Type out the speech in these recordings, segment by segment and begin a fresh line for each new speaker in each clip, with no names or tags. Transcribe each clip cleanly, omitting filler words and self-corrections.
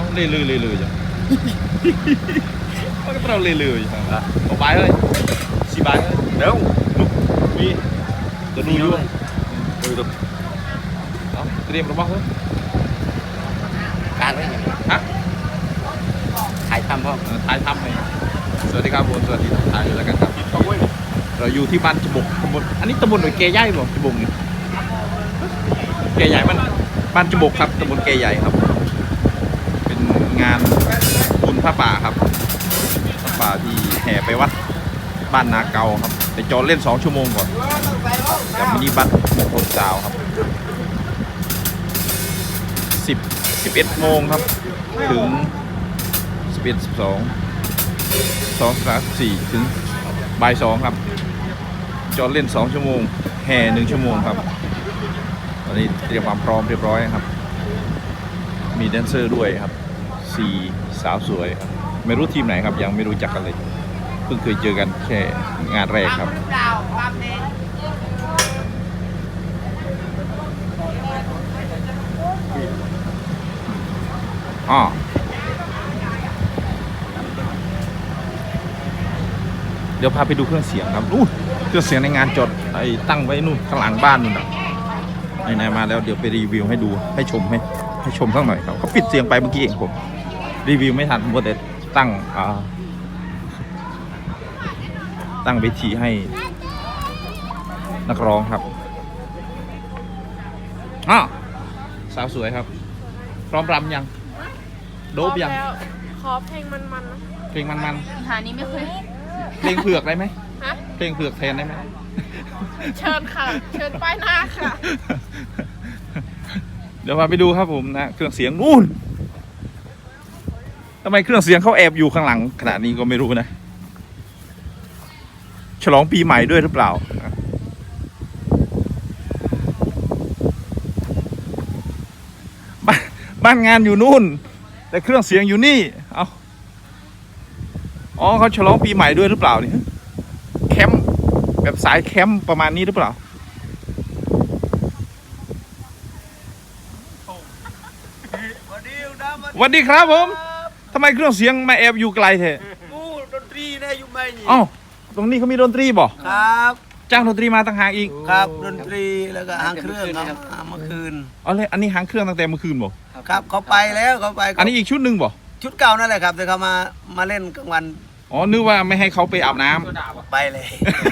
lười chứ có cái trâu lười chứ một bài thôi xì bài thôi đúng đi tôi nuôi luôn được đó tìm nó bóc thôi
การไว้ไง
hả
ถ่ายทำพ่อ
ถ่ายทำเลยสวัสดีครับผมสวัสดีถ่ายแล้วกันครับเราอยู่ที่บ้านจบุกตำบลอันนี้ตำบลหน่วยเกยใหญ่บ่จบุกนี่เกยใหญ่บ้านจบุกครับตำบลเกยใหญ่ครับเป็นงานบุญพระป่าครับพระป่าที่แห่ไปวัดบ้านนาเกาครับแต่จอดเล่น2 ชั่วโมงก่อนกับมินิบัสมงคลซาวครับ11 โมงครับถึง11 12 2 3 4ถึงบ่าย 2ครับจอดเล่น2 ชั่วโมงแห่1 ชั่วโมงครับตอนนี้เตรียมความพร้อมเรียบร้อยครับมีแดนเซอร์ด้วยครับ4 สาวสวยครับไม่รู้ทีมไหนครับยังไม่รู้จักกันเลยเพิ่งเคยเจอกันแค่งานแรกครับอ๋อเดี๋ยวพาไปดูเครื่องเสียงครับนู่นเครื่องเสียงในงานจดไอ้ตั้งไว้นู่นข้างหลังบ้านนู่นนะไหนๆมาแล้วเดี๋ยวไปรีวิวให้ดูให้ชมสักหน่อยครับเขาปิดเสียงไปเมื่อกี้เองผมรีวิวไม่ทันผมแต่ตั้งเวทีให้นักร้องครับอ๋อสาวสวยครับพร้อมรำยังโดบยัง
ขอเพลงมันๆนะ
เพลงมัน
หานี้ไม่เคย
เพลงเผือกได้ไหม
ฮะ
เพลงเผือกแทนได้ไหม
เชิญค่ะเชิญป้ายหน้าค่ะ
เดี๋ยวมาไปดูครับผมนะเครื่องเสียงนู่นทำไมเครื่องเสียงเขาแอบอยู่ข้างหลังขณะนี้ก็ไม่รู้นะฉลองปีใหม่ด้วยหรือเปล่าบ้านงานอยู่นู่นแต่เครื่องเสียงอยู่นี่เอาอ๋อเขาฉลองปีใหม่ด้วยหรือเปล่าเนี่ยแคมป์แบบสายแคมป์ประมาณนี้หรือเปล่าสวัสดีครับผมทำไมเครื่องเสียงมาแอบอยู่ไกลเถอะ
ดนตรีนะอยู่ไม่
อ๋อตรงนี้เขามีดนตรีบ่
ครับ
จ้างดนตรีมาต่างหากอีก
ครับดนตรีแล้วก็หางเครื่องครับเมื่อคืน
อ๋อเลยอันนี้หางเครื่องตั้งแต่เมื่อคืนบ่
ครับเขาไปแล้วเขาไป
อันนี้อีกชุดหนึ่งบ่
ชุดเก่านั่นแหละครับแต่เขามาเล่นกลางวัน
อ๋อนึกว่าไม่ให้เขาไปอาบน้ำ
ไปเลย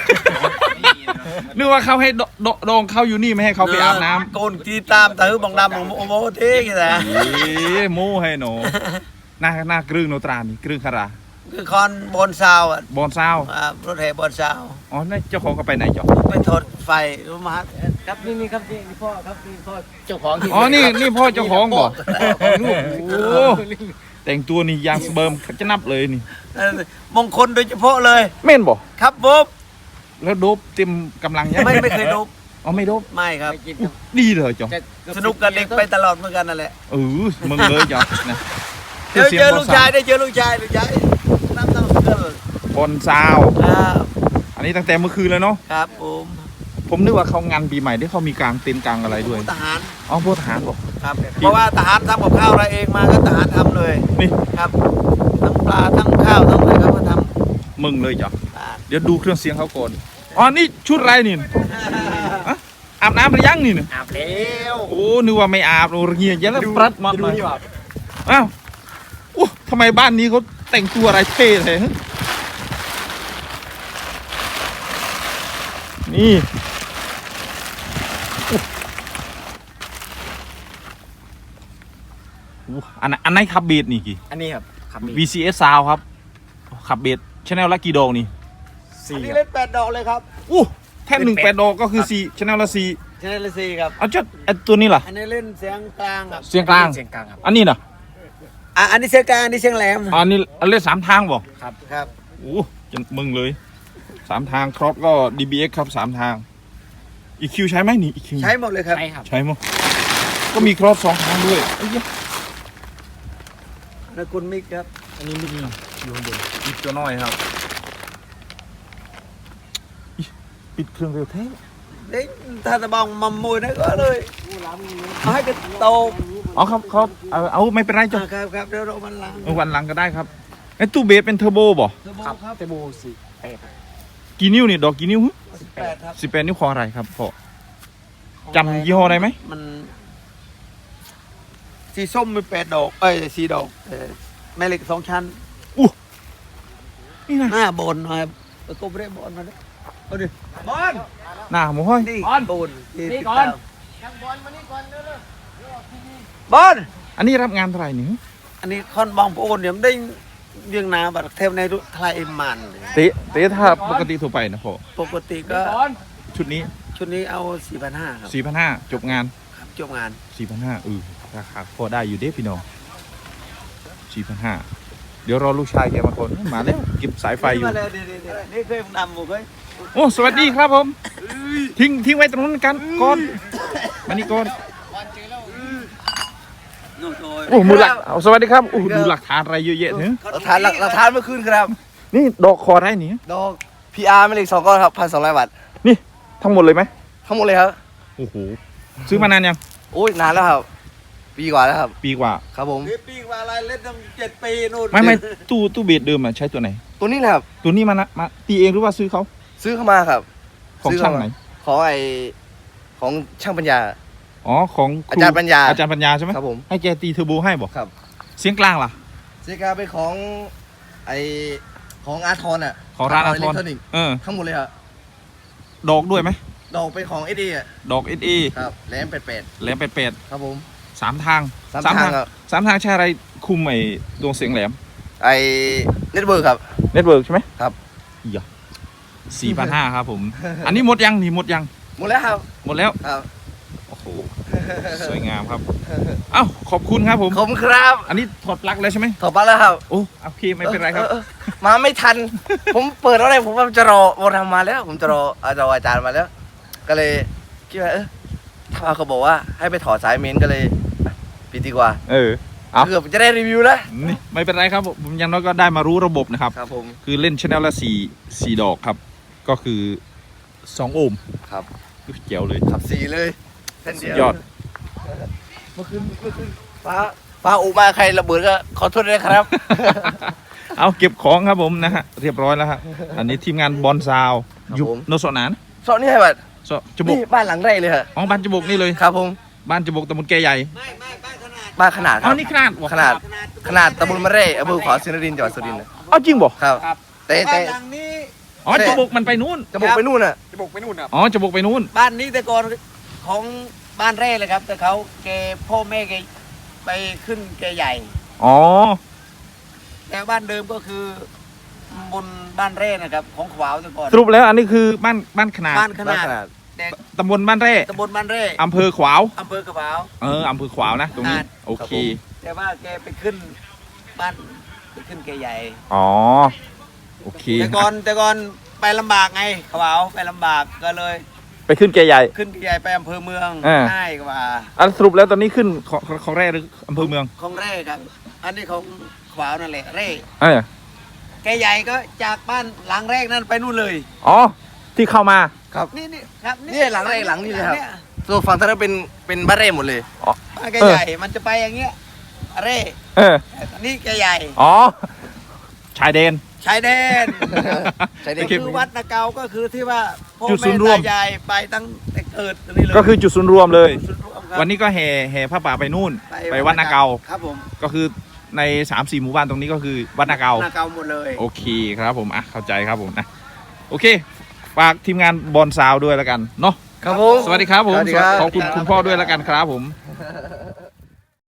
นึกว่าเขาให้ดองเขาอยู่นี่ไม่ให้เขาไปอาบน้ำ
โกนกีตามตื้อบองดำของโมเท่กี่แต่
โม่ให้หนูหน้ากรึ้งโนตรานี่กรึ้งคารา
คือคอนบอนซาวอ่ะ
บอนซาว
รถแห่บอนซาว
อ๋อนั่นเจ้าของก็ไปไหนจ๊อ
ไปถอดไฟรู้มาครับนี่ครับนี่พ่อครับนี่พ่อเจ้าของ
อ๋อนี่พ่อเจ้าของบ่ลูกโอ้แต่งตัวนี่ยางสเบิร์มจะนับเลยนี่
มงคลโดยเฉพาะเลย
เม่นบ่
ครับบ๊อบ
แล้วโดบเต็มกำลังยัง
ไม่เคยโดบ
อ๋อไม่โดบ
ไม่ครับ
ดีเลยจ๊อ
สนุกกับเด็กไปตลอดเหมือนกันนั่นแหละ
มึงเลยจ๊อนะ
เจอลูกชายได้เจอลูกชายน้ำเกลื
อบอนซาวอันนี้ตั้งแต่เมื่อคืนแล้วเนาะ
ครับ
ผมนึกว่าเขางานปีใหม่ที่เขามีกลางเต็นท์กลางอะไรด้วย
ทหาร
อ๋อพวกทหารบอก
ครับเพราะว่าทหารทำกับข้าวอะไรเองมาก็ทหารทำเลย
นี่
ครับทั้งปลาทั้งข้าวทั้งอะไรเขาก็ท
ำมึงเลยจ้ะเดี๋ยวดูเครื่องเสียงเขาก่อนอ๋อนี่ชุดอะไรนี่อาบน้ำหรือยังนี่เนี่ย
อาบแล้ว
โอ้นึกว่าไม่อาบเราเงียบยังแล้วปรัดมาเลยอ้าวโอ้ทำไมบ้านนี้เขาแต่งตัวอะไรเท่เลยนี่อันไหนขับเบสนี่กี่
อันนี้ครับขับ
VCS Sound ครับขับเบสชแนลละกี่ดอกนี่
อันนี้เล่น8 ดอกเลยครับ
แท่น8 ดอกก็คือ4ชแนลละ4
ชแนลละ4ครับ
เอาตัวนี้ล่ะ
อันนี้เล่นเสียงกลางครับ
เสียงกลางครับอันนี้น่ะ
อันนี้เสียงกลางอันนี้เสียงแหลม
อันนี้เล่น3 ทางบ่
ครับ
จะมึงเลย3 ทางครอปก็ DBX ครับ3 ทาง EQ ใช้ไหมนี่ EQ
ใช้หมดเลยครับ
ใช้หมดก็มีครอป2 ทางด้วย
แล้วคุณมิกครับ
อันนี้มิกอยู่ข้างบนมิกตัวน้อยครับปิดเครื่องเร็วแท้
เด็กถ้าจะบองมัมมวยนะก็เลยเอาให้กระโต
อ๋อครับเขาเอาไม่เป็นไรจ้ะ
ครับเดี๋ยวเราวันหลัง
วันหลังก็ได้ครับไอ้ตู้เบสเป็นเทอร์โบบ่
ครับเทโบสิ
กี่นิ้วนี่ดอกกี่นิ้ว
18ครับ
18 นิ้วของอะไรครับพ่อจำยี่ห้อได้ไหม
มันสีส้มมี8 ดอก4 ดอกแม่เหล็ก2 ชั้น
นี่นะ
หน้าบนหน่อยก็ไม่ได้บนมาเลยเอาดิบอล
หน้าหมูห้อย
นี่บนนี่ก่อนบอล
อันนี้รับงานเท่าไหร่นี่
อันนี้คอนบองโอนเดี๋ยวได้เวียงนาบัดเทมในทลายเอ็มมัน
เตะถ้าปกติทั่วไปนะพ่อ
ปกติก็
ชุดนี้
ชุดนี้เอา 4,500 ครับ
4,500จบงาน
ครับจบงาน
4,500ราคาพอได้อยู่เด้พี่น้อง 4,500เดี๋ยวรอลูกชายแกมาก่อนมาแล้วเก็บสายไฟอยู่
มาเลยนี่เคยนำหมดเลย
โอ้สวัสดีครับผมทิ้งไว้ตรงนั้นกันก่อนมานี่ก่อน
นู่นโดย
โอ้มือหลักเอาสวัสดีครับโอ้ดูหลักฐานอะไรเยอะแยะเนี่ย
หลักฐานเมื่อคืนครับ
นี่ดอกคอได้นี่
ดอก PR ไม่เล็ก2 ก้อนครับ1,200 บาท
นี่ทั้งหมดเลยไหม
ทั้งหมดเลยครับ
โอ้โหซื้อมานานยัง
โอ้ยนานแล้วครับ ปีกว่าแล้วครับ
ปีกว่า
ครับผม
นี่ปีกว่าอะไรเล่นตั้ง7 ปีนู่น
ไม่ตู้เบสเดิมอะใช้ตัวไหน
ตัวนี้นะครับ
ตัวนี้มาตีเองหรือว่าซื้อเขา
ซื้อเข้ามาครับ
ของ
ซื้อ
ช่า
เข้าง มา
ไหน
ของช่างปัญญา
อ๋อของค
อาจารย์ปัญญา
อาจารย์ปัญญาใช่ไหม
ครับผม
ให้แกตีเทอร์โบให้บอก
ครับ
เสียงกลางล่ะ
เซกาเป็นของไอของอาร์ทอนอ่ะ
ของร้านอา
อิ
ท
เล็
อก น
ทรอนิกส์
เออ
ทั้งหมดเลยครับ
ดอกด้วยไหม
ดอกเป็นของเออ่ะ
ดอกเอสเอ
ครับแหลมเป็ด
แหลมเป็ด
ๆครับผม
สามทาง
สามทางครับ
สามทางใช้อะไรคุมไอ้ดวงเสียงแหลม
ไอเน็ตเวิร์กครับ
เน็ตเวิร์กใช่ไหม
ครับ
อย่า4,500ครับผม อันนี้หมดยังนี่หมดยัง
หมดแล้วครับ
หมดแล้ว
ครับ
โอ้โหสวยงามครับเอ้าขอบคุณครับผม
ขอบคุณครับ
อันนี้ถอดปลั๊กแล้วใช่ไหม
ถอดปลั๊กแล้วครับ
โอ้โอเคไม่เป็นไรครับ
มาไม่ทัน ผมเปิดอะไรผมว่าจะรอวันทำมาแล้ว ผมจะรออาจารย์มาแล้ว ก็เลยคิดว่าถ้าเขาบอกว่าให้ไปถอดสายเมนก็เลยปิดดีกว่า
เออ เอา
เกือบจะได้รีวิวแล้ว
นี่ไม่เป็นไรครับผมอยังน้อยก็ได้มารู้ระบบนะครับ
ครับผม
คือเล่นชแนลละ4 ดอกครับ ก็คือ2 โอห์ม
ครับ
เกี่ยวเลย
ขับสีเลยเส้น
สุ
เดี
ด
ยวย
อด
เมื่อคืนฟ้าอุมาใครระเบิดก็ขอโทษด้วยครับ
เอาเก็บของครับผมนะฮะเรียบร้อยแล้วฮะอันนี้ทีมงานบอลซาว
ครับ
อยู่
ผม
โนสนาน
ซอยนี่ให้บัด
โซจบุก
นี่บ้านหลังแรกเลยฮะ
อ๋อบ้านจบุกนี่เลย
ครับผม
บ้านจบุกตำบลแกใหญ่
ไม่บ้านขนาด
บ้านขนาดค
อ๋อ
รับ
นี่ขนาดวะ
ขนาดตำบลมะเร่อำเภอขวาวสินนรินทร์จังหวัดสุรินทร์นะ
เอาจริงบ่
ครับแต่
บ้านหลังนี้
อ๋อจบุกมันไปนู้น
จะบอกไปนู่นน่ะ
จะบอกไปนู่นนะ
อ๋อจบุกไปนู้น
บ้านนี้แต่ก่อนของบ้านแร่เลยครับ แต่เขาแกพ่อแม่แกไปขึ้นแกใหญ่
อ๋อ
แต่บ้านเดิมก็คือบนบ้านแร่นะครับ ของขวาวแต่ก่อน
สรุปแล้วอันนี้คือบ้านขนาด
บ้านข
บ้าน
นาด
ขนาด
แต่
ตำบลบ้านแร่
ตำบลบ้านแร่
อำเภอขวาว
อำเภอขวาว
อำเภอขวาวนะตรงนี้
ขนาด
โอเค
แต่ว่าแกไปขึ้นบ้านไปขึ้นแกใหญ่
อ๋อโอเค
แต่ก่อนไปลำบากไงขวาวไปลำบากก็เลย
ไปขึ้นแกใหญ่
ขึ้นแกใหญ่ไปอำเภอเมือง
อ่า
ง่ายกว่า
อันสรุปแล้วตอนนี้ขึ้นของแร่หรืออำเภอเมือง
ของแร่ครับ อันนี้ของขวาวนั่นแหละแร่
เออ
แกใหญ่ก็จากบ้านหลังแรกนั่นไปนู่นเลย
อ๋อที่เข้ามา
ครับ
นี่ครับ
นี่หลังแรกหลังนี่เลยครับ
นี่
ส่วนฝั่งทางนั้นเป็นบ้านเร่หมดเลย
บ้านแกใหญ่มันจะไปอย่างเงี้ยแร่
เออ
นี่แกใหญ่
อ๋อชายแดน
ชายแดน
ชายแดน
โอเค
คือวัดนาเกาก็คือที่ว่าพ่อ
จุดศู
แม่
นย์รวม
ตายายไปตั้งแต่เกิดนี่เลย
ก็คือจุดศูนย์รวมเลย
จุดรวมครับ
วันนี้ก็แห่ผ้าป่าไปนู่น ไปวัดนาเกา
ครับผม
ก็คือใน 3-4 หมู่บ้านตรงนี้ก็คือวัดนาเกา
นาเกาหมดเลย
โอเคครับผมอ่ะเข้าใจครับผมนะโอเคฝากทีมงานบอลซาวด้วยแล้วกันเนาะ
ครับผม
สวัสดีครับผม
สวัสดีครับ
ขอบคุณคุณพ่อด้วยแล้วกันครับผม